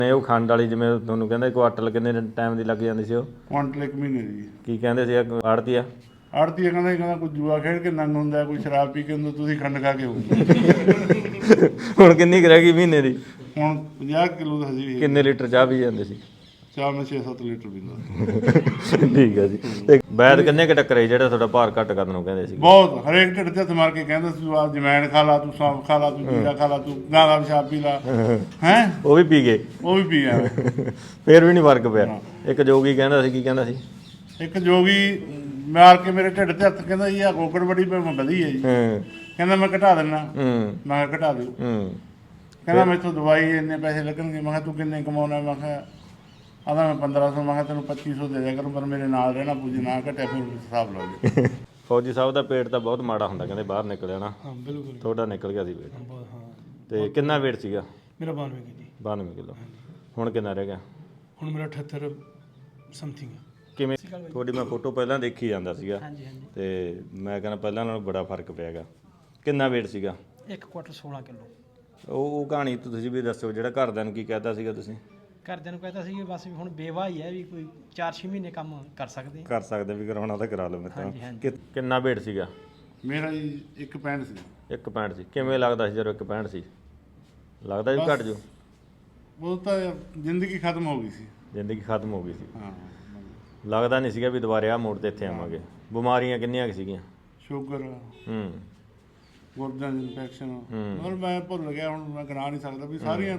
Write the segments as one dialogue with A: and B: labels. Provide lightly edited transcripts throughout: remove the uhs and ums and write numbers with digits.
A: ਉਹ ਖੰਡ ਵਾਲੀ ਜਿਵੇਂ ਤੁਹਾਨੂੰ ਕਹਿੰਦੇ ਕੁਆਟਲ ਕਿੰਨੇ ਟਾਈਮ ਦੀ ਲੱਗ ਜਾਂਦੀ ਸੀ ਉਹ?
B: ਕੁਆਂਟਲ 1 ਮਹੀਨੇ ਦੀ।
A: ਕੀ ਕਹਿੰਦੇ ਸੀ ਆੜਤੀ ਆ?
B: ਆੜਤੀ ਕਹਿੰਦਾ ਕੋਈ ਜੂਆ ਖੇਡ ਕੇ ਨੰਗ ਹੁੰਦਾ, ਕੋਈ ਸ਼ਰਾਬ ਪੀ ਕੇ ਹੁੰਦਾ, ਤੁਸੀਂ ਖੰਡ ਖਾ ਕੇ ਹੋਊ।
A: ਹੁਣ ਕਿੰਨੀ ਕੁ ਰਹਿ ਗਈ ਮਹੀਨੇ ਦੀ?
B: ਹੁਣ 50 ਕਿਲੋ ਦਾ ਹਜੇ ਵੀ।
A: ਕਿੰਨੇ ਲੀਟਰ ਚਾਹ ਪੀ ਜਾਂਦੇ ਸੀ?
B: ਚਾਹ ਮੈਂ 6-7 ਲੀਟਰ ਪੀਂਦਾ।
A: ਠੀਕ ਹੈ ਜੀ। ਤੇ ਵੈਦ ਕਿੰਨੇ ਕੁ ਟੱਕਰੇ ਜਿਹੜਾ ਤੁਹਾਡਾ ਭਾਰ ਘੱਟ ਕਰਨ ਨੂੰ ਕਹਿੰਦੇ ਸੀ?
B: ਬਹੁਤ, ਹਰੇਕ ਢਿੱਡ ਤੇ ਹੱਥ ਮਾਰ ਕੇ ਕਹਿੰਦਾ ਸੀ, ਆ ਜਮੈਣ ਖਾ ਲਾ, ਤੂੰ ਸੌਂਫ ਖਾ ਲਾ, ਤੂੰ ਜੀਰਾ ਖਾ ਲਾ, ਤੂੰ ਗਾਂ ਦਾ ਪਿਸ਼ਾਬ ਪੀ ਲਾ। ਹੈ
A: ਉਹ ਵੀ ਪੀ ਗਏ?
B: ਉਹ ਵੀ ਪੀ ਗਿਆ।
A: ਫੇਰ ਵੀ ਨਹੀਂ ਫਰਕ ਪਿਆ? ਇੱਕ ਜੋਗੀ ਕਹਿੰਦਾ ਸੀ, ਕੀ ਕਹਿੰਦਾ ਸੀ?
B: ਇੱਕ ਜੋਗੀ ਮਾਰ ਕੇ ਮੇਰੇ ਢਿੱਡ ਤੇ ਹੱਥ ਕਹਿੰਦਾ ਜੀ ਆ ਗੋਗੜ ਬੜੀ ਮੈਂ ਵਧੀ ਹੈ ਜੀ। ਕਹਿੰਦਾ ਮੈਂ ਘਟਾ ਦਿੰਦਾ। ਮੈਂ ਕਿਹਾ ਘਟਾ ਦਿਓ। ਕਹਿੰਦਾ ਮੈਥੋਂ ਦਵਾਈ ਇੰਨੇ ਪੈਸੇ ਲੱਗਣਗੇ। ਮੈਂ ਕਿਹਾ ਤੂੰ ਕਿੰਨੇ ਕਮਾਉਣਾ? ਮੈਂ ਕਿਹਾ ਆਦਾ ਮੈਂ 1500। ਮੈਂ ਕਿਹਾ ਤੈਨੂੰ 2500 ਦੇ ਦਿਆ ਕਰੂੰ, ਪਰ ਮੇਰੇ ਨਾਲ ਰਹਿਣਾ ਪੁੱਜ ਨਾ ਘਟਿਆ ਫਿਰ ਹਿਸਾਬ ਲਾ ਲਈ।
A: ਫੌਜੀ ਸਾਹਿਬ ਦਾ ਪੇਟ ਤਾਂ ਬਹੁਤ ਮਾੜਾ ਹੁੰਦਾ ਕਹਿੰਦੇ, ਬਾਹਰ ਨਿਕਲਿਆ ਨਾ?
C: ਹਾਂ ਬਿਲਕੁਲ।
A: ਤੁਹਾਡਾ ਨਿਕਲ ਗਿਆ ਸੀ ਪੇਟ?
C: ਹਾਂ।
A: ਤੇ ਕਿੰਨਾ weight ਸੀਗਾ?
C: ਮੇਰਾ 92 ਕੇਜੀ।
A: 92 ਕਿਲੋ। ਹੁਣ ਕਿੰਨਾ ਰਹਿ ਗਿਆ?
C: ਹੁਣ ਮੇਰਾ 78 ਸਮਥਿੰਗ।
A: ਕਿਵੇਂ? ਤੁਹਾਡੀ ਮੈਂ ਫੋਟੋ ਪਹਿਲਾਂ ਦੇਖੀ ਜਾਂਦਾ ਸੀਗਾ ਤੇ ਮੈਂ ਕਹਿੰਦਾ ਪਹਿਲਾਂ ਨਾਲੋਂ ਬੜਾ ਫਰਕ ਪਿਆ ਗਾ। ਕਿੰਨਾ weight ਸੀਗਾ?
D: 1 ਕੁਆਟਰ 16 ਕਿਲੋ।
A: ਉਹ ਕਹਾਣੀ ਤੁਸੀਂ ਵੀ ਦੱਸਿਓ, ਜਿਹੜਾ ਘਰਦਿਆਂ ਨੂੰ ਕੀ ਕਹਿਤਾ ਸੀਗਾ ਤੁਸੀਂ?
D: ਘਰਦਿਆਂ ਨੂੰ ਕਹਿੰਦਾ ਸੀ ਕਿ ਬਸ ਵੀ ਹੁਣ ਬੇਵਾ ਹੀ ਹੈ, ਵੀ ਕੋਈ 4-6 ਮਹੀਨੇ ਕੰਮ ਕਰ ਸਕਦੇ
A: ਵੀ ਕਰਾਉਣਾ ਤਾਂ ਕਰਾ ਲਓ ਮੇਰੇ ਤਾਂ। ਕਿੰਨਾ weight ਸੀਗਾ?
B: ਮੇਰਾ ਜੀ 1.65 ਸੀ।
A: 1.65 ਸੀ। ਕਿਵੇਂ ਲੱਗਦਾ ਸੀ ਜਦੋਂ 1.65 ਸੀ? ਲੱਗਦਾ ਵੀ ਘਟ ਜਾਊ?
B: ਉਹ ਤਾਂ ਜ਼ਿੰਦਗੀ ਖਤਮ ਹੋ ਗਈ ਸੀ।
A: ਜ਼ਿੰਦਗੀ ਖਤਮ ਹੋ ਗਈ ਸੀ।
B: ਹਾਂ।
A: ਲੱਗਦਾ ਨਹੀਂ ਸੀਗਾ ਵੀ ਦੁਬਾਰੇ ਆਹ ਮੋੜ ਤੇ ਇੱਥੇ ਆਵਾਂਗੇ। ਬਿਮਾਰੀਆਂ ਕਿੰਨੀਆਂ ਕੁ ਸੀਗੀਆਂ?
B: ਸ਼ੂਗਰ, ਗੁਰਦਿਆਂ ਦੀ ਇਨਫੈਕਸ਼ਨ, ਮਤਲਬ ਮੈਂ ਭੁੱਲ ਗਿਆ ਹੁਣ, ਮੈਂ ਗਿਣਾ ਨਹੀਂ ਸਕਦਾ ਵੀ ਸਾਰੀਆਂ।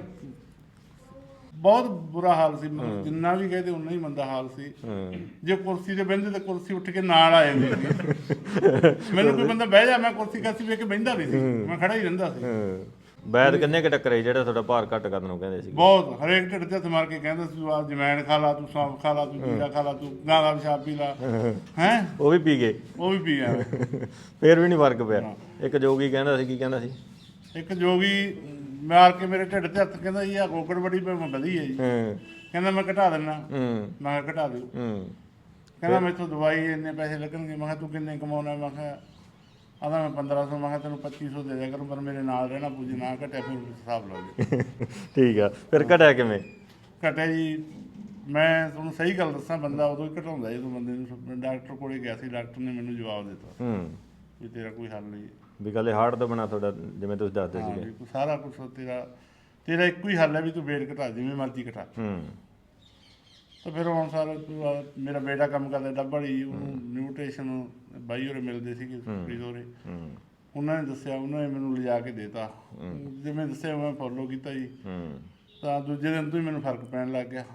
B: ਬਹੁਤ ਬੁਰਾ ਹਾਲ ਸੀ, ਮਤਲਬ ਜਿੰਨਾ ਵੀ ਕਹਦੇ ਉਨਾ ਹੀ ਮੰਦਾ ਹਾਲ ਸੀ। ਜੇ ਕੁਰਸੀ ਤੇ ਬਹਿੰਦੇ ਤਾਂ ਕੁਰਸੀ ਉੱਠ ਕੇ ਨਾਲ ਆ ਜਾਂਦੀ ਸੀ। ਮੈਨੂੰ ਕੋਈ ਬੰਦਾ ਬਹਿ ਜਾ, ਮੈਂ ਕੁਰਸੀ ਕਾਸੀ ਵੇਖ ਕੇ ਬਹਿੰਦਾ ਨਹੀਂ ਸੀ, ਮੈਂ ਖੜਾ ਹੀ ਰਹਿੰਦਾ ਸੀ।
A: ਵੈਦ ਕਿੰਨੇ ਕੁ ਟੱਕਰੇ ਜਿਹੜਾ ਤੁਹਾਡਾ ਭਾਰ ਘੱਟ ਕਰਨ ਨੂੰ ਕਹਿੰਦੇ ਸੀ?
B: ਬਹੁਤ, ਹਰੇਕ ਢਿੱਡ ਤੇ ਹੱਥ ਮਾਰ ਕੇ ਕਹਿੰਦਾ ਸੀ, ਆ ਜਮੈਣ ਖਾ ਲਾ, ਤੂੰ ਸੌਂਫ ਖਾ ਲਾ, ਤੂੰ ਜੀਰਾ ਖਾ ਲਾ, ਤੂੰ ਗਾਂ ਦਾ ਪਿਸ਼ਾਬ ਪੀ ਲਾ। ਹੈ
A: ਉਹ ਵੀ ਪੀ ਗਏ?
B: ਉਹ ਵੀ ਪੀ ਗਿਆ।
A: ਫੇਰ ਵੀ ਨਹੀਂ ਫਰਕ ਪਿਆ? ਇੱਕ ਜੋਗੀ ਕਹਿੰਦਾ ਸੀ, ਕੀ ਕਹਿੰਦਾ ਸੀ?
B: ਇੱਕ ਜੋਗੀ ਮਾਰ ਕੇ ਮੇਰੇ ਢਿੱਡ ਤੇ ਹੱਥ ਕਹਿੰਦਾ ਜੀ ਆ ਗੋਗੜ ਬੜੀ ਮੈਂ ਵਧੀ ਹੈ ਜੀ। ਕਹਿੰਦਾ ਮੈਂ ਘਟਾ ਦਿੰਦਾ। ਮੈਂ ਕਿਹਾ ਘਟਾ ਦਿਓ। ਕਹਿੰਦਾ ਮੈਥੋਂ ਦਵਾਈ ਇੰਨੇ ਪੈਸੇ ਲੱਗਣਗੇ। ਮੈਂ ਕਿਹਾ ਤੂੰ ਕਿੰਨੇ ਕਮਾਉਣਾ? ਮੈਂ ਕਿਹਾ ਆਦਾ ਮੈਂ 1500। ਮੈਂ ਕਿਹਾ ਤੈਨੂੰ 2500 ਦੇ ਦਿਆ ਕਰੂੰ, ਪਰ ਮੇਰੇ ਨਾਲ ਰਹਿਣਾ ਪੁੱਜ ਨਾ ਘਟਿਆ ਫਿਰ ਹਿਸਾਬ ਲਾ ਲਈ।
A: ਠੀਕ ਆ। ਫਿਰ ਘਟਿਆ ਕਿਵੇਂ?
B: ਘਟਿਆ ਜੀ, ਮੈਂ ਤੁਹਾਨੂੰ ਸਹੀ ਗੱਲ ਦੱਸਾਂ, ਬੰਦਾ ਉਦੋਂ ਹੀ ਘਟਾਉਂਦਾ ਜਦੋਂ ਬੰਦੇ ਨੂੰ। ਡਾਕਟਰ ਕੋਲੇ ਗਿਆ ਸੀ, ਡਾਕਟਰ ਨੇ ਮੈਨੂੰ ਜਵਾਬ ਦਿੱਤਾ ਵੀ ਤੇਰਾ ਕੋਈ ਹੱਲ ਨਹੀਂ।
A: ਵੀ ਗੱਲ ਹਾਰਟ ਤੋਂ ਬਣਾ ਤੁਹਾਡਾ, ਜਿਵੇਂ ਤੁਸੀਂ ਦੱਸਦੇ ਸੀਗੇ?
B: ਸਾਰਾ ਕੁਛ ਤੇਰਾ ਇੱਕੋ ਹੀ ਹੱਲ ਹੈ ਵੀ ਤੂੰ weight ਘਟਾ, ਜਿਵੇਂ ਮਰਜ਼ੀ ਘਟਾ। ਤਾਂ ਫਿਰ ਹੁਣ ਸਾਰਾ ਮੇਰਾ ਬੇਟਾ ਕੰਮ ਕਰਦਾ ਡੱਬਾ ਵਾਲੀ, ਉਹਨੂੰ ਨਿਊਟ੍ਰੀਸ਼ਨ ਬਾਈ ਹੋਰੇ ਮਿਲਦੇ ਸੀਗੇ ਹੋਰੇ, ਉਹਨਾਂ ਨੇ ਦੱਸਿਆ, ਉਹਨਾਂ ਨੇ ਮੈਨੂੰ ਲਿਜਾ ਕੇ ਦੇਤਾ। ਜਿਵੇਂ ਦੱਸਿਆ ਮੈਂ ਫੋਲੋ ਕੀਤਾ ਜੀ। ਤਾਂ ਦੂਜੇ ਦਿਨ ਤੋਂ ਹੀ ਮੈਨੂੰ ਫਰਕ ਪੈਣ ਲੱਗ ਗਿਆ।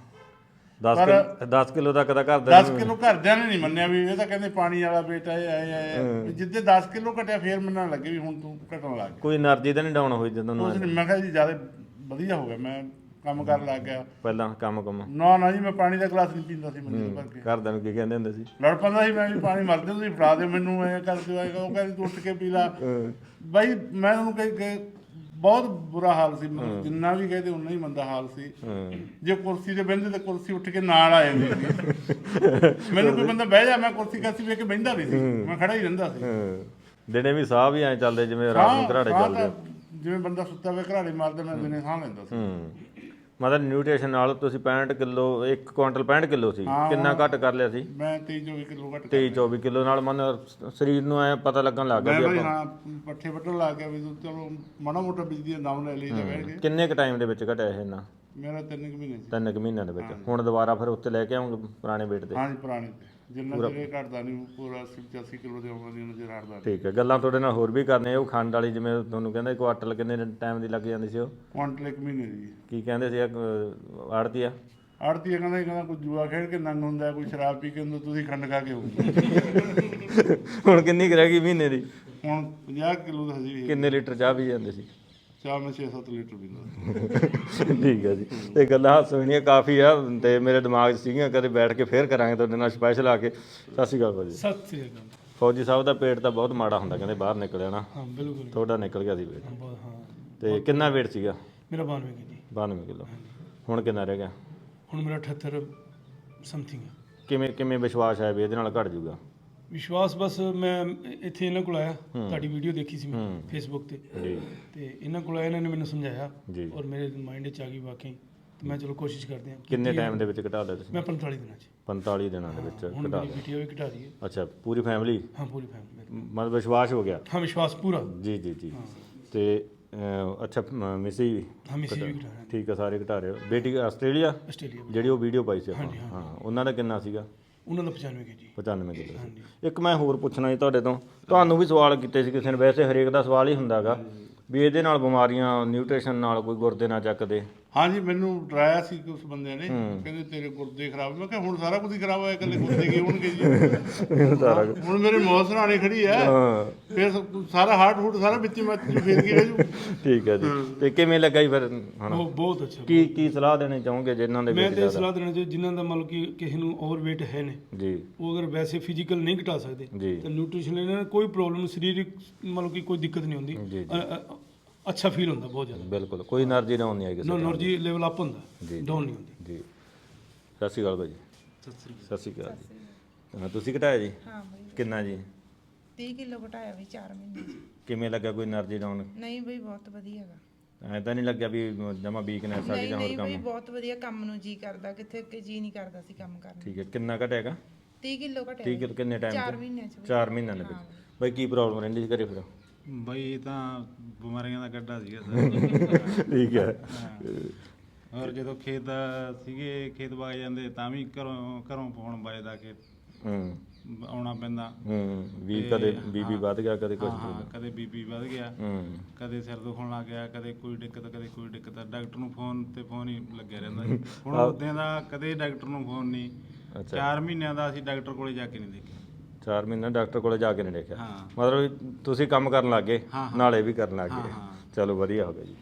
A: 10 ਕਿਲੋ ਤੱਕ ਦਾ ਘਰ
B: 10 ਕਿਲੋ ਘਰਦਿਆਂ ਨੇ ਨਹੀਂ ਮੰਨਿਆ ਵੀ ਇਹ ਤਾਂ ਕਹਿੰਦੇ ਪਾਣੀ ਵਾਲਾ ਬੇਟਾ ਇਹ ਆਏ। ਜਿੱਦੇ 10 ਕਿਲੋ ਘਟਿਆ ਫੇਰ ਮੰਨਣ ਲੱਗੇ ਵੀ ਹੁਣ ਤੂੰ ਘਟਣ ਲੱਗ ਗਿਆ।
A: ਕੋਈ ਐਨਰਜੀ ਤਾਂ ਨਹੀਂ ਡਾਊਨ ਹੋਈ ਜਦੋਂ?
B: ਮੈਂ ਕਿਹਾ ਜੀ ਜ਼ਿਆਦਾ ਵਧੀਆ ਹੋ ਗਿਆ, ਮੈਂ ਕੰਮ ਕਰਨ ਲੱਗ ਗਿਆ।
A: ਪਹਿਲਾਂ ਕੰਮ
B: ਨਾ ਜੀ, ਮੈਂ ਪਾਣੀ ਦਾ ਗਲਾਸ ਨਹੀਂ ਪੀਂਦਾ ਸੀ ਮੰਜੇ ਭਰ ਕੇ।
A: ਘਰਦਿਆਂ ਨੂੰ ਕੀ ਕਹਿੰਦੇ ਹੁੰਦੇ ਸੀ?
B: ਲੜ ਪੈਂਦਾ ਸੀ ਮੈਂ ਵੀ, ਪਾਣੀ ਮਰਦੇ ਤੁਸੀਂ ਫੜਾ ਦਿਓ ਮੈਨੂੰ, ਐਂ ਕਰ ਦਿਓ। ਉਹ ਕਹਿੰਦੀ ਤੂੰ ਉੱਠ ਕੇ ਪੀ ਲਾ। ਬਾਈ ਮੈਂ ਉਹਨੂੰ ਕਹੀ ਬਹੁਤ ਬੁਰਾ ਹਾਲ ਸੀ, ਮਤਲਬ ਜਿੰਨਾ ਵੀ ਕਹਦੇ ਉਨਾ ਹੀ ਮੰਦਾ ਹਾਲ ਸੀ। ਜੇ ਕੁਰਸੀ ਤੇ ਬਹਿੰਦੇ ਤਾਂ ਕੁਰਸੀ ਉੱਠ ਕੇ ਨਾਲ ਆ ਜਾਂਦੀ ਸੀ। ਮੈਨੂੰ ਕੋਈ ਬੰਦਾ ਬਹਿ ਜਾ, ਮੈਂ ਕੁਰਸੀ ਕਾਸੀ ਵੇਖ ਕੇ ਬਹਿੰਦਾ ਨਹੀਂ ਸੀ, ਮੈਂ ਖੜਾ ਹੀ ਰਹਿੰਦਾ ਸੀ।
A: ਦਿਨੇ ਵੀ ਸਾਹ ਵੀ ਐਂ ਚੱਲਦੇ ਜਿਵੇਂ ਰਾਤ ਨੂੰ ਘਰਾੜੇ ਚੱਲਦੇ?
B: ਜਿਵੇਂ ਬੰਦਾ ਸੁੱਤਾ ਹੋਇਆ ਘਰਾੜੇ ਮਾਰਦਾ, ਮੈਂ ਦਿਨੇ ਸਾਹ ਲੈਂਦਾ ਸੀ।
A: ਮਤਲਬ ਨਿਊਟ੍ਰੀਸ਼ਨ ਨਾਲ ਤੁਸੀਂ 65 ਕਿਲੋ, 1 ਕੁਆਂਟਲ 65 ਕਿਲੋ ਸੀ, ਕਿੰਨਾ ਘੱਟ ਕਰ ਲਿਆ ਸੀ?
B: ਮੈਂ 23-24 ਕਿਲੋ ਘੱਟ।
A: 23-24 ਕਿਲੋ ਨਾਲ ਮਨ ਸਰੀਰ ਨੂੰ ਐ ਪਤਾ ਲੱਗਣ ਲੱਗ ਗਿਆ ਵੀ
B: ਆਪਾਂ ਪੱਠੇ ਵੱਢਣ ਲੱਗ ਗਿਆ ਵੀ ਚਲੋ ਮਾੜਾ ਮੋਟਾ ਬਿਜਲੀ ਦਾ ਦਮ ਲੈ ਲਈ ਤਾਂ ਬਹਿ ਗਏ।
A: ਕਿੰਨੇ ਕ ਟਾਈਮ ਦੇ ਵਿੱਚ ਘਟਿਆ ਇਹ ਇੰਨਾ?
B: ਮੇਰਾ 3 ਮਹੀਨੇ।
A: 3 ਮਹੀਨਿਆਂ ਦੇ ਵਿੱਚ? ਹੁਣ ਦੁਬਾਰਾ ਫਿਰ ਉੱਤੇ ਲੈ ਕੇ ਆਉਂਗੇ ਪੁਰਾਣੇ weight ਤੇ?
B: ਹਾਂਜੀ, ਪੁਰਾਣੇ ਤੇ। ਜਿੰਨਾ ਚਿਰ ਘਟਦਾ ਨਹੀਂ, ਪੂਰਾ 80-85 ਕਿਲੋ ਦੇ ਆਉਂਦਾ ਨਹੀਂ ਚਿਰ ਹਟਦਾ।
A: ਠੀਕ ਹੈ। ਗੱਲਾਂ ਤੁਹਾਡੇ ਨਾਲ ਹੋਰ ਵੀ ਕਰਨੇ। ਉਹ ਖੰਡ ਵਾਲੀ ਜਿਵੇਂ ਤੁਹਾਨੂੰ ਕਹਿੰਦੇ ਕੁਆਟਲ ਕਿੰਨੇ ਟਾਈਮ ਦੀ ਲੱਗ ਜਾਂਦੀ ਸੀ ਉਹ?
B: ਕੁਆਂਟਲ 1 ਮਹੀਨੇ ਦੀ।
A: ਕੀ ਕਹਿੰਦੇ ਸੀ ਆੜਤੀ ਆ?
B: ਆੜਤੀ ਕਹਿੰਦਾ ਕੋਈ ਜੂਆ ਖੇਡ ਕੇ ਨੰਗ ਹੁੰਦਾ, ਕੋਈ ਸ਼ਰਾਬ ਪੀ ਕੇ ਹੁੰਦਾ, ਤੁਸੀਂ ਖੰਡ ਖਾ ਕੇ ਹੋਊ।
A: ਹੁਣ ਕਿੰਨੀ ਕੁ ਰਹਿ ਗਈ ਮਹੀਨੇ ਦੀ?
B: ਹੁਣ 50 ਕਿਲੋ ਦਾ ਹਜੇ ਵੀ।
A: ਕਿੰਨੇ ਲੀਟਰ ਚਾਹ ਪੀ ਜਾਂਦੇ ਸੀ?
B: ਚਾਹ ਮੈਂ 6-7 ਲੀਟਰ ਪੀਂਦਾ।
A: ਠੀਕ ਹੈ ਜੀ। ਤੇ ਗੱਲਾਂ ਹਾਸੋਹੀਆਂ ਕਾਫੀ ਆ ਤੇ ਮੇਰੇ ਦਿਮਾਗ 'ਚ ਸੀਗੀਆਂ, ਕਦੇ ਬੈਠ ਕੇ ਫੇਰ ਕਰਾਂਗੇ ਤੁਹਾਡੇ ਨਾਲ ਸਪੈਸ਼ਲ ਆ ਕੇ। ਸਤਿ ਸ਼੍ਰੀ ਅਕਾਲ ਭਾਜੀ।
C: ਸਤਿ ਸ੍ਰੀ ਅਕਾਲ।
A: ਫੌਜੀ ਸਾਹਿਬ ਦਾ ਪੇਟ ਤਾਂ ਬਹੁਤ ਮਾੜਾ ਹੁੰਦਾ ਕਹਿੰਦੇ, ਬਾਹਰ ਨਿਕਲਿਆ ਨਾ?
C: ਹਾਂ ਬਿਲਕੁਲ।
A: ਤੁਹਾਡਾ ਨਿਕਲ ਗਿਆ ਸੀ ਪੇਟ?
C: ਹਾਂ।
A: ਤੇ ਕਿੰਨਾ weight ਸੀਗਾ?
C: ਮੇਰਾ 92 ਕੇਜੀ।
A: 92 ਕਿਲੋ। ਹੁਣ ਕਿੰਨਾ ਰਹਿ ਗਿਆ?
C: ਹੁਣ ਮੇਰਾ 78 ਸਮਥਿੰਗ।
A: ਕਿਵੇਂ ਵਿਸ਼ਵਾਸ ਹੈ ਵੀ ਇਹਦੇ ਨਾਲ ਘਟ ਜੂਗਾ?
C: ਵਿਸ਼ਵਾਸ ਬਸ ਮੈਂ ਇੱਥੇ ਇਹਨਾਂ ਕੋਲ ਆਇਆ, ਤੁਹਾਡੀ ਵੀਡੀਓ ਦੇਖੀ ਸੀ ਮੈਂ ਫੇਸਬੁੱਕ ਤੇ, ਤੇ ਇਹਨਾਂ ਕੋਲ ਆਇਆ, ਇਹਨਾਂ ਨੇ ਮੈਨੂੰ ਸਮਝਾਇਆ ਔਰ ਮੇਰੇ ਮਾਈਂਡ 'ਚ ਆ ਗਈ ਵਾਕਈ ਤੇ ਮੈਂ ਚਲੋ ਕੋਸ਼ਿਸ਼ ਕਰਦੇ ਹਾਂ।
A: ਕਿੰਨੇ ਟਾਈਮ ਦੇ ਵਿੱਚ ਘਟਾ ਲਿਆ ਤੁਸੀਂ?
C: ਮੈਂ 45 ਦਿਨਾਂ 'ਚ
A: 45 ਦਿਨਾਂ ਦੇ ਵਿੱਚ
C: ਹੁਣ
A: ਘਟਾ
C: ਮੇਰੀ
A: ਲਿਆ।
C: ਬਿਟੀਆ ਵੀ ਘਟਾ ਰਹੀ ਹੈ।
A: ਅੱਛਾ, ਪੂਰੀ ਫੈਮਿਲੀ?
C: ਹਾਂ ਪੂਰੀ ਫੈਮਿਲੀ।
A: ਮਤਲਬ ਵਿਸ਼ਵਾਸ ਹੋ ਗਿਆ?
C: ਹਾਂ ਵਿਸ਼ਵਾਸ ਪੂਰਾ।
A: ਜੀ ਜੀ ਜੀ। ਤੇ ਅੱਛਾ, ਮਿਸੀ ਵੀ?
C: ਹਾਂ ਮਿਸੀ ਵੀ ਘਟਾ ਰਹੀ।
A: ਠੀਕ ਹੈ, ਸਾਰੇ ਘਟਾ ਰਹੇ ਹੋ। ਬੇਟੀ ਆਸਟ੍ਰੇਲੀਆ
C: ਆਸਟ੍ਰੇਲੀਆ
A: ਜਿਹੜੀ ਉਹ ਵੀਡੀਓ ਪਾਈ ਸੀ ਆਪਾਂ?
C: ਹਾਂਜੀ,
A: ਹਾਂ, ਉਹਨਾਂ ਦਾ ਕਿੰਨਾ ਸੀਗਾ?
C: ਉਹਨਾਂ ਦਾ 95 ਕੇਜੀ।
A: 95 ਕਿਲੋ ਸੀ। ਇੱਕ ਮੈਂ ਹੋਰ ਪੁੱਛਣਾ ਜੀ ਤੁਹਾਡੇ ਤੋਂ, ਤੁਹਾਨੂੰ ਵੀ ਸਵਾਲ ਕੀਤੇ ਸੀ ਕਿਸੇ ਨੇ, ਵੈਸੇ ਹਰੇਕ ਦਾ ਸਵਾਲ ਹੀ ਹੁੰਦਾਗਾ ਵੀ ਇਹਦੇ ਨਾਲ ਬਿਮਾਰੀਆਂ ਨਿਊਟ੍ਰੀਸ਼ਨ ਨਾਲ ਕੋਈ ਗੁਰਦੇ ਨਾ ਚੱਕਦੇ।
B: ਹਾਂਜੀ, ਮੈਨੂੰ ਡਰਾਇਆ ਸੀ ਕਿ ਉਸ ਬੰਦੇ ਨੇ, ਕਹਿੰਦੇ ਤੇਰੇ ਗੁਰਦੇ ਖਰਾਬ। ਮੈਂ ਕਿਹਾ ਹੁਣ ਸਾਰਾ ਕੁਝ ਹੀ ਖਰਾਬ ਹੋਇਆ, ਇਕੱਲੇ ਗੁਰਦੇ ਕੀ ਹੋਣਗੇ ਜੀ? ਹੁਣ ਮੇਰੇ ਮੌਤ ਸਰਾਣੇ ਖੜੀ ਹੈ, ਫਿਰ ਸਾਰਾ ਹਾਰਟ ਹੂਟ ਸਾਰਾ ਵਿੱਚ ਫੇਰ ਕੀ ਰਹਿ ਜੂ।
A: ਠੀਕ ਹੈ ਜੀ। ਤੇ ਕਿਵੇਂ ਲੱਗਾ ਜੀ ਫਿਰ ਹੁਣ?
C: ਉਹ ਬਹੁਤ ਅੱਛਾ।
A: ਕੀ ਸਲਾਹ ਦੇਣੀ ਚਾਹੋਗੇ ਜਿਨ੍ਹਾਂ ਦੇ
C: ਮੈਂ
A: weight
C: ਤੇ ਸਲਾਹ ਦੇਣਾ ਚਾਹੁੰਦਾ ਜਿਨ੍ਹਾਂ ਦਾ ਮਤਲਬ ਕਿ ਕਿਸੇ ਨੂੰ ਓਵਰਵੇਟ ਹੈ ਨੇ
A: ਜੀ,
C: ਉਹ ਅਗਰ ਵੈਸੇ ਫਿਜ਼ੀਕਲ ਨਹੀਂ ਘਟਾ ਸਕਦੇ
A: ਜੀ,
C: ਤਾਂ ਨਿਊਟ੍ਰੀਸ਼ਨ ਲੈਣ ਨਾਲ ਕੋਈ ਪ੍ਰੋਬਲਮ ਸਰੀਰਕ ਮਤਲਬ ਕਿ ਕੋਈ ਦਿੱਕਤ ਨਹੀਂ ਹੁੰਦੀ।
A: ਜੀ,
C: ਅੱਛਾ ਫੀਲ ਹੁੰਦਾ ਬਹੁਤ ਜ਼ਿਆਦਾ।
A: ਬਿਲਕੁਲ, ਕੋਈ એનર્ਜੀ ਡਾਊਨ ਨਹੀਂ ਆਈ ਕਿਸੇ
C: ਨੋ
A: ਤਰ੍ਹਾਂ
C: એનર્ਜੀ ਲੈਵਲ ਅਪ ਹੁੰਦਾ,
A: ਜੀ,
C: ਡਾਊਨ ਨਹੀਂ ਹੁੰਦੀ।
A: ਜੀ। ਸਤਿ ਸ਼੍ਰੀ ਅਕਾਲ ਭਾਈ ਜੀ। ਸਤਿ ਸ਼੍ਰੀ ਅਕਾਲ ਜੀ। ਹਾਂ, ਤੁਸੀਂ ਘਟਾਇਆ ਜੀ?
E: ਹਾਂ ਬਈ
A: ਕਿੰਨਾ ਜੀ?
E: 30 ਕਿਲੋ ਘਟਾਇਆ ਵੀ 4 ਮਹੀਨੇ 'ਚ।
A: ਕਿਵੇਂ ਲੱਗਾ? ਕੋਈ એનર્ਜੀ ਡਾਊਨ?
E: ਨਹੀਂ ਬਈ ਬਹੁਤ ਵਧੀਆ ਹੈਗਾ।
A: ਐਂ ਤਾਂ ਨਹੀਂ ਲੱਗਿਆ ਵੀ ਜਮਾ ਵੀਕਨੈਸ ਆ ਗਈ
E: ਨਹੀਂ
A: ਜਾਂ ਹੋਰ
E: ਨਹੀਂ ਬਈ
A: ਕੰਮ?
E: ਬਹੁਤ ਵਧੀਆ, ਕੰਮ ਨੂੰ ਜੀ ਕਰਦਾ, ਕਿੱਥੇ ਕਿ ਜੀ ਨਹੀਂ ਕਰਦਾ ਸੀ ਕੰਮ ਕਰਨ ਨੂੰ।
A: ਠੀਕ ਹੈ, ਕਿੰਨਾ ਘਟਿਆਗਾ?
E: 30 ਕਿਲੋ ਘਟਿਆ।
A: 30 ਕਿਲੋ ਕਿੰਨੇ ਟਾਈਮ
E: 4 ਮਹੀਨਿਆਂ 'ਚ ਬਈ।
A: 4 ਮਹੀਨਿਆਂ ਦੇ ਵਿੱਚ। ਬਾਈ ਕੀ ਪ੍ਰੋਬਲਮ ਰਹਿੰਦੀ ਸੀ ਘਰੇ ਫਿਰ?
F: ਬਈ ਇਹ ਤਾਂ ਬਿਮਾਰੀਆਂ ਦਾ ਗੱਡਾ ਸੀਗਾ ਸਰ।
A: ਠੀਕ ਹੈ।
F: ਔਰ ਜਦੋਂ ਖੇਤ ਬਾਗ ਜਾਂਦੇ ਤਾਂ ਵੀ ਘਰੋਂ ਫੋਨ ਵੱਜਦਾ ਕਿ ਆਉਣਾ ਪੈਂਦਾ।
A: ਵੀ ਕਦੇ ਬੀਬੀ ਵੱਧ ਗਿਆ, ਕਦੇ ਕੁਝ।
F: ਹਾਂ, ਕਦੇ ਬੀਪੀ ਵੱਧ ਗਿਆ, ਕਦੇ ਸਿਰ ਦੁਖਣ ਲੱਗ ਗਿਆ, ਕਦੇ ਕੋਈ ਦਿੱਕਤ। ਡਾਕਟਰ ਨੂੰ ਫੋਨ ਹੀ ਲੱਗਿਆ ਰਹਿੰਦਾ ਸੀ। ਹੁਣ ਉਦੋਂ ਦਾ ਕਦੇ ਡਾਕਟਰ ਨੂੰ ਫੋਨ ਨਹੀਂ। 4 ਮਹੀਨਿਆਂ ਦਾ ਅਸੀਂ ਡਾਕਟਰ ਕੋਲੇ ਜਾ ਕੇ ਨਹੀਂ ਦੇਖਿਆ।
A: 4 ਮਹੀਨੇ ਡਾਕਟਰ ਕੋਲੇ ਜਾ ਕੇ ਨਹੀਂ ਦੇਖਿਆ?
F: ਹਾਂ।
A: ਮਤਲਬ ਤੁਸੀਂ ਕੰਮ ਕਰਨ ਲੱਗ ਗਏ, ਨਾਲੇ ਵੀ ਕਰਨ ਲੱਗ ਗਏ।
F: ਹਾਂ।
A: ਚਲੋ ਵਧੀਆ ਹੋ ਗਿਆ ਜੀ।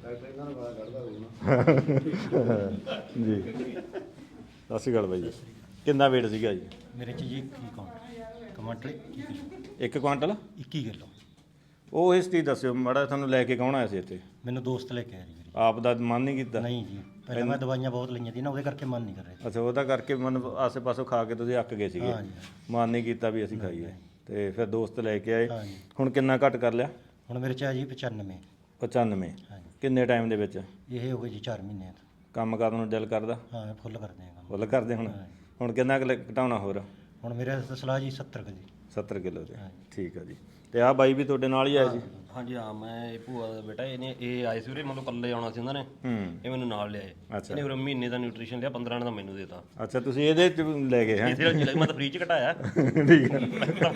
A: ਜੀ। ਸਤਿ ਸ਼੍ਰੀ ਅਕਾਲ ਬਾਈ ਜੀ। ਕਿੰਨਾ weight ਸੀਗਾ ਜੀ?
G: ਮੇਰੇ ਚ ਜੀ 21 ਕੁਆਂਟਲ
A: 1 ਕੁਆਂਟਲ
G: 21 ਕਿਲੋ।
A: ਉਹ ਇਸ ਚੀਜ਼ ਦੱਸਿਓ ਮਾੜਾ, ਤੁਹਾਨੂੰ ਲੈ ਕੇ ਕੌਣ ਆਇਆ ਸੀ ਇੱਥੇ?
G: ਮੈਨੂੰ ਦੋਸਤ ਲੈ ਕੇ ਆਇਆ ਜੀ ਮੇਰੇ।
A: ਆਪ ਦਾ ਮਨ ਨਹੀਂ ਕੀਤਾ?
G: ਨਹੀਂ ਜੀ, ਪਹਿਲਾਂ ਮੈਂ ਦਵਾਈਆਂ ਬਹੁਤ ਲਈਆਂ ਸੀ ਨਾ, ਉਹਦੇ ਕਰਕੇ ਮਨ ਨਹੀਂ ਕਰ ਰਿਹਾ ਸੀ।
A: ਅੱਛਾ, ਉਹਦਾ ਕਰਕੇ ਮਨ ਆਸੇ ਪਾਸੋਂ ਖਾ ਕੇ ਤੁਸੀਂ ਅੱਕ ਗਏ ਸੀਗੇ?
G: ਹਾਂ ਜੀ।
A: ਮਨ ਨਹੀਂ ਕੀਤਾ ਵੀ ਅਸੀਂ ਖਾਈਏ, ਤੇ ਫਿਰ ਦੋਸਤ ਲੈ ਕੇ ਆਏ।
G: ਹਾਂ ਜੀ।
A: ਹੁਣ ਕਿੰਨਾ ਘੱਟ ਕਰ ਲਿਆ?
G: ਹੁਣ ਮੇਰੇ ਚ ਆ ਜੀ 95।
A: 95?
G: ਹਾਂ ਜੀ।
A: ਕਿੰਨੇ ਟਾਈਮ ਦੇ ਵਿੱਚ?
G: ਇਹ ਹੋ ਗਏ ਜੀ 4 ਮਹੀਨੇ।
A: ਕੰਮ ਕਰਨ ਨੂੰ ਦਿਲ ਕਰਦਾ?
G: ਹਾਂ, ਫੁੱਲ ਕਰਦੇ ਆ ਕੰਮ।
A: ਫੁੱਲ ਕਰਦੇ ਹੁਣ? ਹੁਣ ਕਿੰਨਾ ਕੁ ਘਟਾਉਣਾ ਹੋਰ?
G: ਹੁਣ ਮੇਰੇ ਸਲਾਹ ਜੀ 70 ਕੁ ਜੀ।
A: 70 ਕਿਲੋ ਦੇ। ਠੀਕ ਆ ਜੀ। ਤੇ ਆਹ ਬਾਈ ਵੀ ਤੁਹਾਡੇ ਨਾਲ ਹੀ ਆਇਆ ਸੀ?
H: ਹਾਂਜੀ ਹਾਂ, ਮੈਂ ਇਹ ਭੂਆ ਦਾ ਬੇਟਾ, ਇਹ ਆਏ ਸੀ ਉਰੇ, ਮਤਲਬ ਇਕੱਲੇ ਆਉਣਾ ਸੀ ਉਹਨਾਂ ਨੇ। ਇਹ ਮੈਨੂੰ ਨਾਲ ਲਿਆਏ। ਇਹਨੇ ਉਰੇ ਮਹੀਨੇ ਦਾ ਨਿਊਟ੍ਰੀਸ਼ਨ ਲਿਆ, 15 ਦਾ ਮੈਨੂੰ ਦੇਤਾ।
A: ਅੱਛਾ, ਤੁਸੀਂ ਇਹਦੇ ਚ ਲੈ ਗਏ ਹੈ?
H: ਮੈਂ ਤਾਂ ਫ੍ਰੀ ਚ ਘਟਾਇਆ।
A: ਠੀਕ ਹੈ।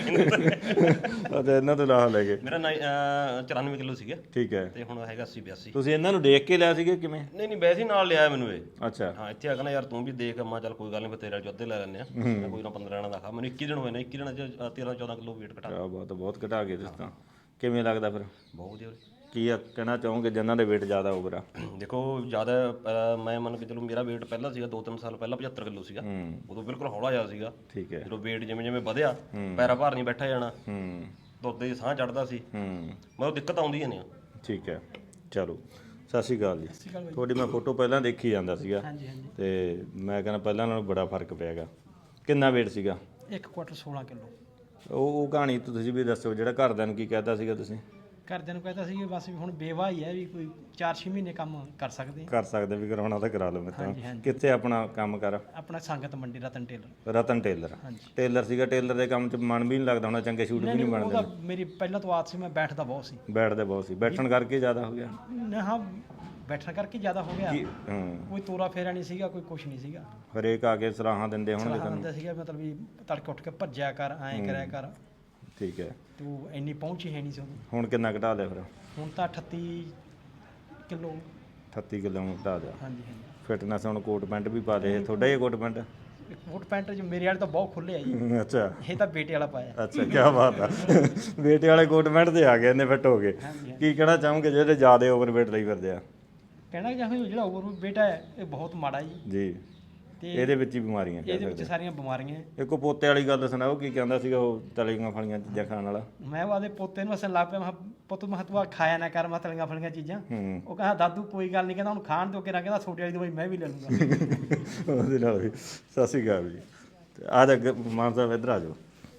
A: ਅੱਛਾ, ਇਹਨਾਂ ਤੋਂ ਲਾਹ ਲੈ ਗਏ।
H: ਮੇਰਾ 94 ਕਿਲੋ ਸੀਗਾ।
A: ਠੀਕ ਹੈ।
H: ਤੇ ਹੁਣ ਹੈਗਾ 80-82।
A: ਤੁਸੀਂ ਇਹਨਾਂ ਨੂੰ ਦੇਖ ਕੇ ਲਿਆ ਸੀਗੇ ਕਿਵੇਂ?
H: ਨਹੀਂ ਵੈਸੇ ਹੀ ਨਾਲ ਲਿਆਇਆ ਮੈਨੂੰ ਇਹ।
A: ਅੱਛਾ।
H: ਹਾਂ, ਇੱਥੇ ਆ ਕਹਿੰਦਾ ਯਾਰ ਤੂੰ ਵੀ ਦੇਖ। ਮੈਂ ਚੱਲ ਕੋਈ ਗੱਲ ਨਹੀਂ, ਫਿਰ ਤੇਰੇ ਚ ਅੱਧੇ ਲੈ ਲੈਂਦੇ ਆ। ਮੈਂ ਕੋਈ ਨਾ 15 ਦਾ ਖਾ। ਮੈਨੂੰ 21 ਦਿਨ ਹੋਏ ਨੇ, 21 ਦਿਨਾਂ ਚ 13-14 ਕਿਲੋ weight ਘਟਾ।
A: ਬਹੁਤ ਘਟਾ ਗਏ ਤੁਸੀਂ ਤਾਂ। ਕਿਵੇਂ ਲੱਗਦਾ ਫਿਰ?
H: ਬਹੁਤ ਵਧੀਆ।
A: ਕੀ ਕਹਿਣਾ ਚਾਹੋਗੇ ਜਿਨ੍ਹਾਂ ਦੇ weight ਜ਼ਿਆਦਾ ਓਵਰ ਆ?
H: ਦੇਖੋ ਜ਼ਿਆਦਾ ਮੈਂ ਮੰਨ ਕੇ ਚਲੋ ਮੇਰਾ weight ਪਹਿਲਾਂ ਸੀਗਾ 2-3 ਸਾਲ ਪਹਿਲਾਂ 75 ਕਿਲੋ ਸੀਗਾ। ਉਦੋਂ ਬਿਲਕੁਲ ਹੌਲਾ ਜਿਹਾ ਸੀਗਾ।
A: ਠੀਕ ਹੈ।
H: ਜਦੋਂ weight ਜਿਵੇਂ ਵਧਿਆ, ਪੈਰਾਂ ਭਾਰ ਨਹੀਂ ਬੈਠਾ ਜਾਣਾ, ਦੁੱਧ ਦੇ ਸਾਹ ਚੜਦਾ ਸੀ, ਮਤਲਬ ਦਿੱਕਤ ਆਉਂਦੀ ਨਹੀਂ।
A: ਠੀਕ ਹੈ। ਚਲੋ, ਸਤਿ ਸ਼੍ਰੀ ਅਕਾਲ ਜੀ। ਤੁਹਾਡੀ ਮੈਂ ਫੋਟੋ ਪਹਿਲਾਂ ਦੇਖੀ ਜਾਂਦਾ ਸੀਗਾ, ਤੇ ਮੈਂ ਕਹਿੰਦਾ ਪਹਿਲਾਂ ਨਾਲੋਂ ਬੜਾ ਫਰਕ ਪਿਆ ਗਾ। ਕਿੰਨਾ weight ਸੀਗਾ?
D: 1 ਕੁਆਂਟਲ 16 ਕਿਲੋ।
A: ਉਹ ਕਹਾਣੀ ਤੁਸੀਂ ਵੀ ਦੱਸੋ, ਜਿਹੜਾ ਘਰਦਿਆਂ ਨੂੰ ਕੀ ਕਹਿਤਾ ਸੀਗਾ ਤੁਸੀਂ?
D: ਘਰਦਿਆਂ ਨੂੰ ਕਹਿੰਦਾ ਸੀ ਕਿ ਬਸ ਵੀ ਹੁਣ ਬੇਵਾ ਹੀ ਹੈ, ਵੀ ਕੋਈ 4-6 ਮਹੀਨੇ ਕੰਮ ਕਰ ਸਕਦੇ
A: ਕਰ ਸਕਦੇ ਵੀ ਕਰਾਉਣਾ ਤਾਂ ਕਰਾ ਲਓ। ਮੈਂ ਕਿੱਥੇ ਆਪਣਾ ਕੰਮ ਕਰ?
D: ਆਪਣਾ Sangat Mandi Ratan tailor.
A: Ratan tailor? Tailor ਸੀਗਾ। ਟੇਲਰ ਦੇ ਕੰਮ 'ਚ ਮਨ ਵੀ ਨਹੀਂ ਲੱਗਦਾ ਹੋਣਾ, ਚੰਗੇ ਸ਼ੂਟ ਵੀ ਨਹੀਂ ਬਣਦੇ?
D: ਉਹਦਾ ਮੇਰੀ ਪਹਿਲਾਂ ਤੋਂ ਆਦਤ ਸੀ, ਮੈਂ ਬੈਠਦਾ ਬਹੁਤ ਸੀ।
A: ਬੈਠਦੇ ਬਹੁਤ ਸੀ? ਬੈਠਣ ਕਰਕੇ ਜ਼ਿਆਦਾ ਹੋ ਗਿਆ?
D: ਹਾਂ, ਬੈਠਣ ਕਰਕੇ ਜ਼ਿਆਦਾ ਹੋ ਗਿਆ। ਕੋਈ ਤੋਰਾ ਫੇਰਾ ਨਹੀਂ ਸੀਗਾ, ਕੋਈ ਕੁਛ ਨਹੀਂ ਸੀਗਾ।
A: ਹਰੇਕ ਆ ਕੇ ਸਲਾਹਾਂ ਦਿੰਦੇ ਹੋਣਗੇ
D: ਸਲਾਹਾਂ ਦਿੰਦਾ ਸੀਗਾ, ਮਤਲਬ ਵੀ ਤੜਕੇ ਉੱਠ ਕੇ ਭੱਜਿਆ ਕਰ, ਐਂ ਕਰਿਆ ਕਰ।
A: ਠੀਕ ਹੈ।
D: ਤੂੰ ਇੰਨੀ ਪਹੁੰਚ ਹੀ ਹੈ ਨਹੀਂ ਸੀ ਉਦੋਂ।
A: ਹੁਣ ਕਿੰਨਾ ਘਟਾ ਲਿਆ ਫਿਰ?
D: ਹੁਣ ਤਾਂ 38 ਕਿਲੋ।
A: 38 ਕਿਲੋ ਘਟਾ ਦਿਆ।
D: ਹਾਂਜੀ।
A: ਫਿਟਨੈਸ ਹੁਣ ਕੋਟ ਪੈਂਟ ਵੀ ਪਾ ਲਏ? ਤੁਹਾਡਾ ਹੀ ਕੋਟ ਪੈਂਟ?
D: ਕੋਟ ਪੈਂਟ ਚ ਮੇਰੇ ਵਾਲੇ ਤਾਂ ਬਹੁਤ ਖੁੱਲੇ ਆ ਜੀ।
A: ਅੱਛਾ।
D: ਇਹ ਤਾਂ ਬੇਟੇ ਵਾਲਾ ਪਾਇਆ।
A: ਅੱਛਾ, ਕੀ ਬਾਤ ਆ। ਬੇਟੇ ਵਾਲੇ ਕੋਟ ਪੈਂਟ ਤੇ ਆ ਗਏ, ਇੰਨੇ ਫਿੱਟ ਹੋ ਗਏ। ਕੀ ਕਹਿਣਾ ਚਾਹੋਗੇ ਜਿਹੜੇ ਜ਼ਿਆਦਾ ਓਵਰਵੇਟ ਲਈ ਫਿਰਦੇ ਆ?
D: ਕਹਿਣਾ ਚਾਹੁੰਦਾ ਜਿਹੜਾ ਓਵਰ ਬੇਟਾ ਹੈ ਇਹ ਬਹੁਤ ਮਾੜਾ ਜੀ। ਤੇ
A: ਇਹਦੇ ਵਿੱਚ ਹੀ ਬਿਮਾਰੀਆਂ ਕਹਿ
D: ਇਹਦੇ ਵਿੱਚ
A: ਸਕਦੇ।
D: ਸਾਰੀਆਂ ਬਿਮਾਰੀਆਂ।
A: ਇੱਕ ਪੋਤੇ ਵਾਲੀ ਗੱਲ ਸੁਣਾਓ, ਕੀ ਕਹਿੰਦਾ ਸੀਗਾ ਉਹ ਤਲੀਆਂ ਫਲੀਆਂ ਚੀਜ਼ਾਂ ਖਾਣ ਵਾਲਾ?
D: ਮੈਂ ਉਹਦੇ ਪੋਤੇ ਨੂੰ ਅਸਲ ਲੱਗ ਪਿਆ, ਮੈਂ ਪੁੱਤ ਮਹਤਵਾ ਖਾਇਆ ਨਾ ਕਰ ਮੈਂ ਤਲੀਆਂ ਫਲੀਆਂ ਚੀਜ਼ਾਂ। ਉਹ ਕਹਿੰਦਾ ਦਾਦੂ ਕੋਈ ਗੱਲ ਨਹੀਂ, ਕਹਿੰਦਾ ਹੁਣ ਖਾਣ ਤੋਂ ਕਿਹੜਾ, ਕਹਿੰਦਾ ਛੋਟੇ ਵਾਲੀ ਦਵਾਈ ਮੈਂ ਵੀ ਲੈ ਲੂੰਗਾ।
A: ਉਹਦੇ ਨਾਲ ਵੀ। ਸਤਿ ਸ਼੍ਰੀ ਅਕਾਲ ਜੀ। ਆ ਜਾ ਮਾਨ ਸਾਹਿਬ, ਇੱਧਰ ਆ ਜਾਓ।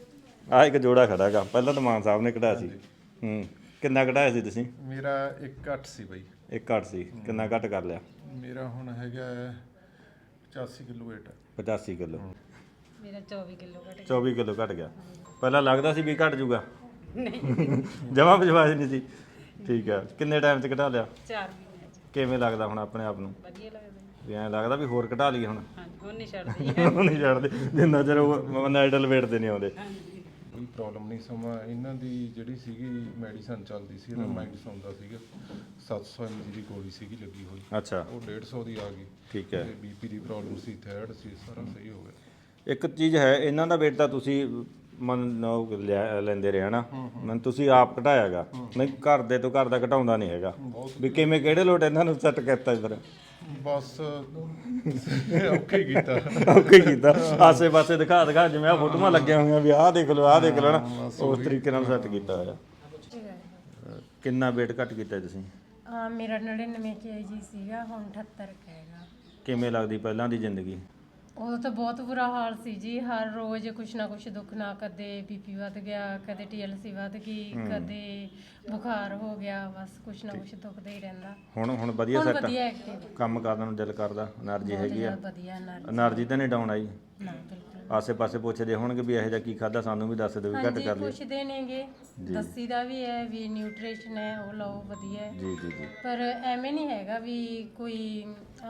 A: ਆ ਇੱਕ ਜੋੜਾ ਖੜਾ ਗਾ, ਪਹਿਲਾਂ ਤਾਂ ਮਾਨ ਸਾਹਿਬ ਨੇ ਕਢਾਇਆ ਸੀ। ਕਿੰਨਾ ਕਢਾਇਆ ਸੀ ਤੁਸੀਂ?
I: ਮੇਰਾ 1.8 ਸੀ ਬਾਈ।
A: 1.8 ਸੀ। ਕਿੰਨਾ ਘੱਟ ਕਰ ਲਿਆ?
I: ਮੇਰਾ ਹੁਣ ਹੈਗਾ
B: 85 ਕਿਲੋ weight ਹੈ
A: 85 ਕਿਲੋ
I: ਮੇਰਾ 24 ਕਿਲੋ ਘਟ
A: 24 ਕਿਲੋ ਘਟ ਗਿਆ। ਪਹਿਲਾਂ ਲੱਗਦਾ ਸੀ ਵੀ ਘਟ ਜੂਗਾ? ਨਹੀਂ ਜਮਾ ਵਿਸ਼ਵਾਸ ਨਹੀਂ ਸੀ। ਠੀਕ ਹੈ, ਕਿੰਨੇ ਟਾਈਮ 'ਚ ਘਟਾ ਲਿਆ?
I: 4 ਮਹੀਨੇ ਚ
A: ਕਿਵੇਂ ਲੱਗਦਾ ਹੁਣ ਆਪਣੇ ਆਪ ਨੂੰ?
I: ਵਧੀਆ ਲੱਗਦਾ
A: ਵੀ ਐਂ ਲੱਗਦਾ ਵੀ ਹੋਰ ਘਟਾ ਲਈਏ ਹੁਣ?
I: ਹਾਂਜੀ ਹੁਣ ਨਹੀਂ ਛੱਡਦੀ
A: ਉਹ ਨਹੀਂ ਛੱਡਦੇ ਜਿੰਨਾ ਚਿਰ ਉਹ ਨਾਈਡਲ ਵੇਟ ਤੇ ਨਹੀਂ ਆਉਂਦੇ।
J: ਕੋਈ ਪ੍ਰੋਬਲਮ ਨਹੀਂ। ਸਮਾਂ ਇਹਨਾਂ ਦੀ ਜਿਹੜੀ ਸੀਗੀ ਮੈਡੀਸਨ ਚੱਲਦੀ ਸੀ, ਇਹਦਾ ਮਾਈਂਡ ਸੌਂਦਾ ਸੀਗਾ। 700 mg ਦੀ ਗੋਲੀ ਸੀਗੀ ਲੱਗੀ ਹੋਈ,
A: ਅੱਛਾ,
J: ਉਹ 150 ਦੀ ਆ ਗਈ।
A: ਠੀਕ ਹੈ।
J: ਬੀਪੀ ਦੀ ਪ੍ਰੋਬਲਮ ਸੀ, ਥਾਇਰਾਇਡ ਸੀ, ਸਾਰਾ ਸਹੀ ਹੋ ਗਿਆ।
A: ਇੱਕ ਚੀਜ਼ ਹੈ, ਇਹਨਾਂ ਦਾ weight ਤਾਂ ਤੁਸੀਂ ਲੈਂਦੇ ਰਹੇ ਨਾ, ਮੈਨੂੰ ਤੁਸੀਂ ਆਪ ਘਟਾਇਆਗਾ, ਨਹੀਂ ਘਰ ਦੇ ਤੋਂ ਘਰ ਦਾ ਘਟਾਉਂਦਾ ਨਹੀਂ ਹੈਗਾ। ਵੀ ਕਿਵੇਂ ਕਿਹੜੇ ਲੋਟ ਇਹਨਾਂ ਨੂੰ ਸੈੱਟ ਕੀਤਾ ਫਿਰ?
J: ਬਸ ਓਕੇ ਕੀਤਾ
A: ਓਕੇ ਕੀਤਾ, ਆਸੇ ਪਾਸੇ ਦਿਖਾ ਜਿਵੇਂ ਆ ਫੋਟੋਆਂ ਲੱਗੀਆਂ ਹੋਈਆਂ ਵੀ ਆਹ ਦੇਖ ਲਓ ਨਾ, ਉਸ ਤਰੀਕੇ ਨਾਲ ਸੈੱਟ ਕੀਤਾ ਹੋਇਆ। ਕਿੰਨਾ weight ਘੱਟ ਕੀਤਾ ਤੁਸੀਂ?
I: ਮੇਰਾ 99 kg ਸੀਗਾ, ਹੁਣ 78 ਹੈਗਾ।
A: ਕਿਵੇਂ ਲੱਗਦੀ ਪਹਿਲਾਂ ਦੀ ਜ਼ਿੰਦਗੀ?
I: ਉਦੋਂ ਤਾਂ ਬਹੁਤ ਬੁਰਾ ਹਾਲ ਸੀ ਜੀ, ਹਰ ਰੋਜ਼ ਕੁਛ ਨਾ ਕੁਛ ਦੁੱਖ ਨਾ, ਕਦੇ ਬੀਪੀ ਵੱਧ ਗਿਆ, ਕਦੇ TLC ਵੱਧ ਗਈ, ਕਦੇ ਬੁਖਾਰ ਹੋ ਗਿਆ, ਬਸ ਕੁਛ ਨਾ ਕੁਛ ਦੁਖਦਾ ਹੀ ਰਹਿੰਦਾ।
A: ਹੁਣ ਵਧੀਆ ਸੈੱਟ?
I: ਵਧੀਆ ਐਕਟਿਵ,
A: ਕੰਮ ਕਰਨ ਨੂੰ ਦਿਲ ਕਰਦਾ, એનર્ਜੀ ਹੈਗੀ ਆ?
I: ਵਧੀਆ
A: એનર્ਜੀ ਤਾਂ ਨਹੀਂ ਡਾਊਨ ਆਈ?
I: ਨਾ ਬਿਲਕੁਲ।
A: ਆਸੇ ਪਾਸੇ ਪੁੱਛਦੇ ਹੋਣਗੇ ਵੀ ਇਹੋ ਜਿਹਾ ਕੀ ਖਾਦਾ, ਸਾਨੂੰ ਵੀ ਦੱਸ ਦਿਓ ਵੀ ਘੱਟ ਕਰ ਲਈ।
I: ਪੁੱਛਦੇ ਨੇਗੇ, ਦੱਸੀ ਦਾ ਵੀ ਹੈ ਵੀ ਨਿਊਟ੍ਰੀਸ਼ਨ ਹੈ ਉਹ ਲਓ, ਵਧੀਆ ਹੈ।
A: ਜੀ ਜੀ ਜੀ।
I: ਪਰ ਐਵੇਂ ਨਹੀਂ ਹੈਗਾ ਵੀ ਕੋਈ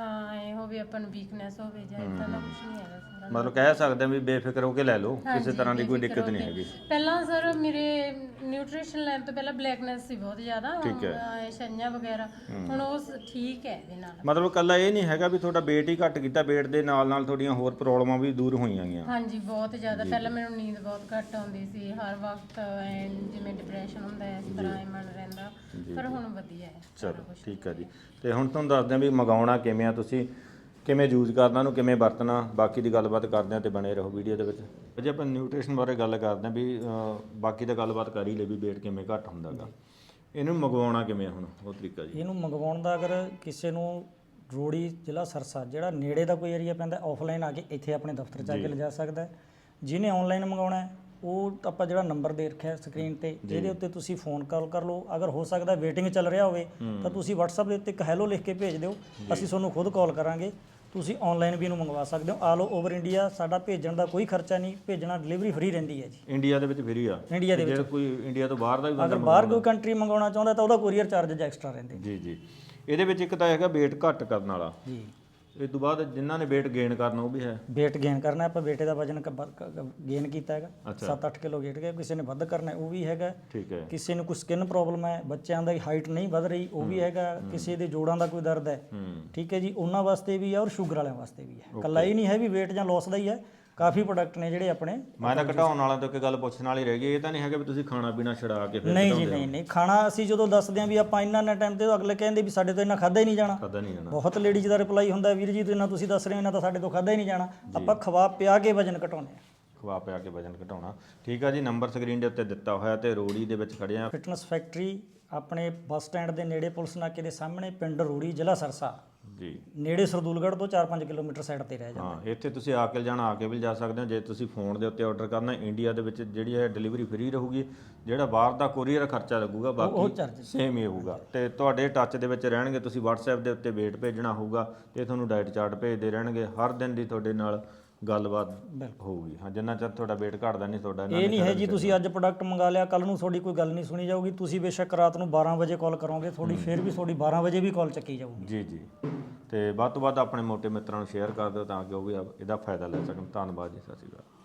I: ਐ ਹੋਵੇ ਆਪਾਂ ਨੂੰ ਵੀਕਨੈਸ ਹੋਵੇ ਜਾਂ ਇਦਾਂ ਦਾ ਕੁਝ ਨਹੀਂ ਹੈਗਾ ਸਾਰਾ।
A: ਮਤਲਬ ਕਹਿ ਸਕਦੇ ਆ ਵੀ ਬੇਫਿਕਰ ਹੋ ਕੇ ਲੈ ਲਓ, ਕਿਸੇ ਤਰ੍ਹਾਂ ਦੀ ਕੋਈ ਦਿੱਕਤ ਨਹੀਂ ਹੈਗੀ।
I: ਪਹਿਲਾਂ ਸਰ ਮੇਰੇ ਨਿਊਟ੍ਰੀਸ਼ਨ ਲੈਣ ਤੋਂ ਪਹਿਲਾਂ ਬਲੈਕਨੈਸ ਸੀ ਬਹੁਤ ਜ਼ਿਆਦਾ, ਛੰਝਾਂ ਵਗੈਰਾ, ਹੁਣ ਉਹ ਠੀਕ ਹੈ ਇਹਦੇ ਨਾਲ।
A: ਮਤਲਬ ਕੱਲਾ ਇਹ ਨਹੀਂ ਹੈਗਾ ਵੀ ਤੁਹਾਡਾ weight ਹੀ ਘੱਟ ਕੀਤਾ, weight ਦੇ ਨਾਲ ਨਾਲ ਤੁਹਾਡੀਆਂ ਹੋਰ ਪ੍ਰੋਬਲਮਾਂ ਵੀ ਦੂਰ ਹੋਈਆਂ ਗਈਆਂ?
I: ਹਾਂਜੀ ਬਹੁਤ ਜ਼ਿਆਦਾ। ਪਹਿਲਾਂ ਮੈਨੂੰ ਨੀਂਦ ਬਹੁਤ ਘੱਟ ਆਉਂਦੀ ਸੀ, ਹਰ ਵਕਤ ਜਿਵੇਂ ਡਿਪਰੈਸ਼ਨ ਹੁੰਦਾ ਹੈ ਇਸ ਤਰ੍ਹਾਂ ਮਨ ਰਹਿੰਦਾ, ਪਰ ਹੁਣ ਵਧੀਆ ਹੈ।
A: ਚਲੋ ਠੀਕ ਹੈ ਜੀ। ਤੇ ਹੁਣ ਤੁਹਾਨੂੰ ਦੱਸਦੇ ਆ ਵੀ ਮੰਗਾਉਣਾ ਕਿਵੇਂ ਆ, ਤੁਸੀਂ ਕਿਵੇਂ ਯੂਜ਼ ਕਰਨਾ, ਉਹਨੂੰ ਕਿਵੇਂ ਵਰਤਣਾ, ਬਾਕੀ ਦੀ ਗੱਲਬਾਤ ਕਰਦੇ ਆ ਤੇ ਬਣੇ ਰਹੋ ਵੀਡੀਓ ਦੇ ਵਿੱਚ। ਜੇ ਆਪਾਂ ਨਿਊਟ੍ਰੀਸ਼ਨ ਬਾਰੇ ਗੱਲ ਕਰਦੇ ਆ ਵੀ ਬਾਕੀ ਤਾਂ ਗੱਲਬਾਤ ਕਰ ਹੀ ਲਈ ਵੀ weight ਕਿਵੇਂ ਘੱਟ ਹੁੰਦਾ ਗਾ, ਇਹਨੂੰ ਮੰਗਵਾਉਣਾ ਕਿਵੇਂ ਹੁਣ ਉਹ ਤਰੀਕਾ ਜੀ?
K: ਇਹਨੂੰ ਮੰਗਵਾਉਣ ਦਾ ਅਗਰ ਕਿਸੇ ਨੂੰ ਰੋੜੀ ਜ਼ਿਲ੍ਹਾ ਸਰਸਾ ਜਿਹੜਾ ਨੇੜੇ ਦਾ ਕੋਈ ਏਰੀਆ ਪੈਂਦਾ, ਆਫਲਾਈਨ ਆ ਕੇ ਇੱਥੇ ਆਪਣੇ ਦਫ਼ਤਰ 'ਚ ਆ ਕੇ ਲਿਜਾ ਸਕਦਾ ਹੈ। ਜਿਹਨੇ ਆਨਲਾਈਨ ਮੰਗਾਉਣਾ ਉਹ ਆਪਾਂ ਜਿਹੜਾ ਨੰਬਰ ਦੇ ਰੱਖਿਆ ਸਕਰੀਨ ਤੇ, ਇਹਦੇ ਉੱਤੇ ਤੁਸੀਂ ਫੋਨ ਕਾਲ ਕਰ ਲਓ। ਅਗਰ ਹੋ ਸਕਦਾ ਵੇਟਿੰਗ ਚੱਲ ਰਿਹਾ ਹੋਵੇ ਤਾਂ ਤੁਸੀਂ WhatsApp ਦੇ ਉੱਤੇ ਇੱਕ ਹੈਲੋ ਲਿਖ ਕੇ ਭੇਜ ਦਿਓ, ਅਸੀਂ ਤੁਹਾਨੂੰ ਖੁਦ ਕਾਲ ਕਰਾਂਗੇ। ਤੁਸੀਂ ਆਨਲਾਈਨ ਵੀ ਇਹਨੂੰ ਮੰਗਵਾ ਸਕਦੇ ਹੋ। ਆਲ ਓਵਰ ਇੰਡੀਆ ਸਾਡਾ ਭੇਜਣ ਦਾ ਕੋਈ ਖਰਚਾ ਨਹੀਂ, ਭੇਜਣਾ ਡਿਲੀਵਰੀ ਫ੍ਰੀ ਰਹਿੰਦੀ ਹੈ ਜੀ।
A: ਇੰਡੀਆ ਦੇ ਵਿੱਚ ਫ੍ਰੀ ਆ?
K: ਇੰਡੀਆ ਦੇ ਵਿੱਚ।
A: ਜੇ ਕੋਈ ਇੰਡੀਆ ਤੋਂ ਬਾਹਰ ਦਾ ਵੀ
K: ਅਗਰ ਬਾਹਰ ਕੋਈ ਕੰਟਰੀ ਮੰਗਵਾਉਣਾ ਚਾਹੁੰਦਾ ਤਾਂ ਉਹਦਾ ਕੋਰੀਅਰ ਚਾਰਜਸ ਐਕਸਟਰਾ ਰਹਿੰਦੇ
A: ਜੀ ਜੀ। ਇਹਦੇ ਵਿੱਚ ਇੱਕ ਤਾਂ ਹੈਗਾ weight ਘੱਟ ਕਰਨ ਵਾਲਾ
K: ਜੀ,
A: ਇਸ ਤੋਂ ਬਾਅਦ ਜਿਨ੍ਹਾਂ ਨੇ weight gain ਕਰਨਾ ਉਹ ਵੀ ਹੈ?
K: weight gain ਕਰਨਾ, ਆਪਾਂ ਬੇਟੇ ਦਾ ਵਜਨ ਗੇਨ ਕੀਤਾ ਹੈਗਾ, 7-8 ਕਿਲੋ weight ਗਿਆ। ਕਿਸੇ ਨੇ ਵੱਧ ਕਰਨਾ ਉਹ ਵੀ ਹੈਗਾ। ਠੀਕ ਹੈ। ਕਿਸੇ ਨੂੰ ਕੋਈ ਸਕਿਨ ਪ੍ਰੋਬਲਮ ਹੈ, ਬੱਚਿਆਂ ਦੀ ਹਾਈਟ ਨਹੀਂ ਵੱਧ ਰਹੀ ਉਹ ਵੀ ਹੈਗਾ। ਕਿਸੇ ਦੇ ਜੋੜਾਂ ਦਾ ਕੋਈ ਦਰਦ ਹੈ, ਠੀਕ ਹੈ ਜੀ, ਉਹਨਾਂ ਵਾਸਤੇ ਵੀ ਹੈ ਔਰ ਸ਼ੂਗਰ ਵਾਲਿਆਂ ਵਾਸਤੇ ਵੀ ਹੈ। ਇਕੱਲਾ ਹੀ ਨਹੀਂ ਹੈ ਵੀ weight ਜਾਂ ਲੋਸ ਦਾ ਹੀ ਹੈ, ਕਾਫੀ ਪ੍ਰੋਡਕਟ ਨੇ ਜਿਹੜੇ ਆਪਣੇ।
A: ਮੈਂ ਤਾਂ ਘਟਾਉਣ ਵਾਲਾ ਤੋਂ ਇੱਕ ਗੱਲ ਪੁੱਛਣ ਵਾਲੀ ਰਹਿ ਗਈ, ਇਹ ਤਾਂ ਨਹੀਂ ਹੈਗਾ ਵੀ ਤੁਸੀਂ ਖਾਣਾ ਪੀਣਾ ਛਡਾ ਕੇ ਫਿਰ?
K: ਨਹੀਂ ਜੀ, ਨਹੀਂ ਖਾਣਾ ਅਸੀਂ ਜਦੋਂ ਦੱਸਦੇ ਹਾਂ ਵੀ ਆਪਾਂ ਇੰਨਾ ਟਾਈਮ ਤੇ, ਅਗਲੇ ਕਹਿੰਦੇ ਵੀ ਸਾਡੇ ਤੋਂ ਇੰਨਾ ਖਾਦਾ ਹੀ ਨਹੀਂ ਜਾਣਾ। ਬਹੁਤ ਲੇਡੀਜ਼ ਦਾ ਰਿਪਲਾਈ ਹੁੰਦਾ, ਵੀਰ ਜੀ ਇੰਨਾ ਤੁਸੀਂ ਦੱਸ ਰਹੇ ਹੋ ਇੰਨਾ ਤਾਂ ਸਾਡੇ ਤੋਂ ਖਾਦਾ ਹੀ ਨਹੀਂ ਜਾਣਾ। ਆਪਾਂ ਖਵਾ ਪਿਆ ਕੇ ਵਜਨ ਘਟਾਉਂਦੇ ਹਾਂ।
A: ਖਵਾ ਪਿਆ ਕੇ ਵਜਨ ਘਟਾਉਣਾ, ਠੀਕ ਆ ਜੀ। ਨੰਬਰ ਸਕਰੀਨ ਦੇ ਉੱਤੇ ਦਿੱਤਾ ਹੋਇਆ ਤੇ ਰੋੜੀ ਦੇ ਵਿੱਚ ਖੜੇ ਆ।
K: ਫਿਟਨੈਸ ਫੈਕਟਰੀ ਆਪਣੇ ਬੱਸ ਸਟੈਂਡ ਦੇ ਨੇੜੇ, ਪੁਲਿਸ ਨਾਕੇ ਦੇ ਸਾਹਮਣੇ, ਪਿੰਡ ਰੋੜੀ, ਜ਼ਿਲ੍ਹਾ ਸਰਸਾ ਜੀ, ਨੇੜੇ ਸਰਦੂਲਗੜ੍ਹ ਤੋਂ 4-5 ਕਿਲੋਮੀਟਰ ਸਾਈਡ ਤੇ ਰਹਿ ਜਾਂਦਾ।
A: ਹਾਂ, ਇੱਥੇ ਤੁਸੀਂ ਆ ਕੇ ਜਾਣਾ, ਆ ਕੇ ਵੀ ਜਾ ਸਕਦੇ ਹੋ। ਜੇ ਤੁਸੀਂ ਫੋਨ ਦੇ ਉੱਤੇ ਆਰਡਰ ਕਰਨਾ, ਇੰਡੀਆ ਦੇ ਵਿੱਚ ਜਿਹੜੀ ਹੈ ਡਿਲੀਵਰੀ ਫ੍ਰੀ ਰਹੂਗੀ। ਜਿਹੜਾ ਬਾਹਰ ਦਾ ਕੋਰੀਅਰ ਖਰਚਾ ਲੱਗੂਗਾ ਬਾਕੀ ਸੇਮ ਹੀ ਹੋਊਗਾ। ਤੇ ਤੁਹਾਡੇ ਟੱਚ ਦੇ ਵਿੱਚ ਰਹਿਣਗੇ। ਤੁਸੀਂ WhatsApp ਦੇ ਉੱਤੇ weight ਭੇਜਣਾ ਹੋਊਗਾ ਤੇ ਤੁਹਾਨੂੰ ਡਾਈਟ ਚਾਰਟ ਭੇਜਦੇ ਰਹਿਣਗੇ। ਹਰ ਦਿਨ ਦੀ ਤੁਹਾਡੇ ਨਾਲ ਗੱਲਬਾਤ ਹੋਊਗੀ। ਹਾਂ, ਜਿੰਨਾ ਚਿਰ ਤੁਹਾਡਾ weight ਘਟਦਾ ਨਹੀਂ ਤੁਹਾਡਾ
K: ਇਹ ਨਹੀਂ ਹੈ ਜੀ ਤੁਸੀਂ ਅੱਜ ਪ੍ਰੋਡਕਟ ਮੰਗਾ ਲਿਆ, ਕੱਲ ਨੂੰ ਤੁਹਾਡੀ ਕੋਈ ਗੱਲ ਨਹੀਂ ਸੁਣੀ ਜਾਊਗੀ। ਤੁਸੀਂ ਬੇਸ਼ੱਕ ਰਾਤ ਨੂੰ 12 ਵਜੇ ਕਾਲ ਕਰੋਗੇ, ਤੁਹਾਡੀ ਫਿਰ ਵੀ ਤੁਹਾਡੀ 12 ਵਜੇ ਵੀ ਕਾਲ ਚੱਕੀ ਜਾਊਗੀ।
A: ਜੀ ਜੀ। ਤੇ ਵੱਧ ਤੋਂ ਵੱਧ ਆਪਣੇ ਮੋਟੇ ਮਿੱਤਰਾਂ ਨੂੰ ਸ਼ੇਅਰ ਕਰ ਦਿਓ ਤਾਂ ਕਿ ਉਹ ਵੀ ਇਹਦਾ ਫਾਇਦਾ ਲੈ ਸਕਣ। ਧੰਨਵਾਦ ਜੀ, ਸਤਿ ਸ਼੍ਰੀ ਅਕਾਲ।